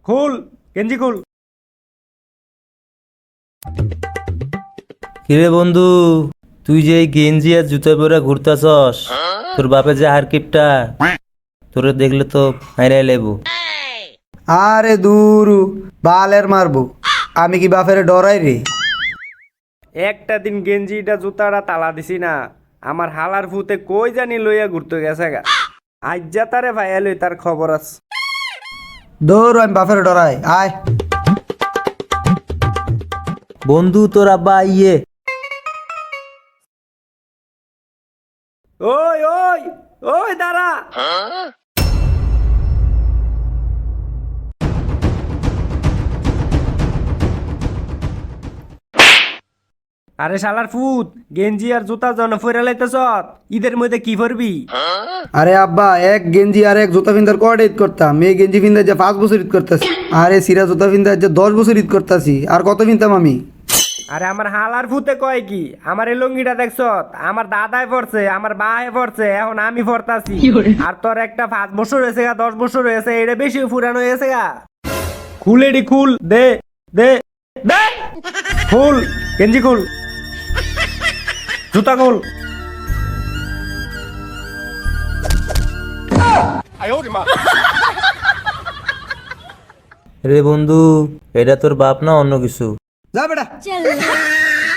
খুল গেঞ্জি খুল। কিরে বন্ধু, তুই যে এই গেঞ্জি আর জুতা পরে ঘুরতাছস, তোর বাপে যে হারকিপটা তোরে দেখলে তো মাইরাই লেবু। আরে দূরু বালের মারবো, আমি কি বাপেরে ডরাই রে? একটা দিন গেঞ্জিটা জুতাটা তালা দিছি না, আমার হালার ফুতে কই জানি লইয়া ঘুরতে গেছে গা। আজ যা তারে ভাইয়া লই তার খবর আছে। দৌড়, আমি বাপেরে ডরাই, আয়। বন্ধু তোর আব্বা আইয়ে। ওই ওই ওই দাঁড়া। আরে শালার ফুত, গেঞ্জি আর জুতা জন ফইরা লাইতেছ, ঈদের মধ্যে কি করবি? আরে আব্বা, এক গেঞ্জি আর এক জুতা পিন্ধার কয়টা ঈদ করতাম? মেয়ে গেঞ্জি পিন্ধা যে 5 বছর ঈদ করতেছি, আরে সিরা জুতা পিন্ধা যে 10 বছর ঈদ করতেছি, আর কত পিনতাম আমি? আরে আমার হালার ফুতে কয় কি, আমার এই লুঙ্গিটা দেখছ, আমার দাদায় পড়ছে, আমার বায়ে পড়ছে, এখন আমি পড়তাছি। আর তোর একটা 5 বছর হয়েছে গা, 10 বছর হয়েছে, এটা বেশি পুরানো হয়েছে গা। খুলেডি খুল, দে দে দে, খুল গেঞ্জি খুল, জুতা খুল। রে বন্ধু, এটা তোর বাপ না অন্য কিছু? যা বেটা।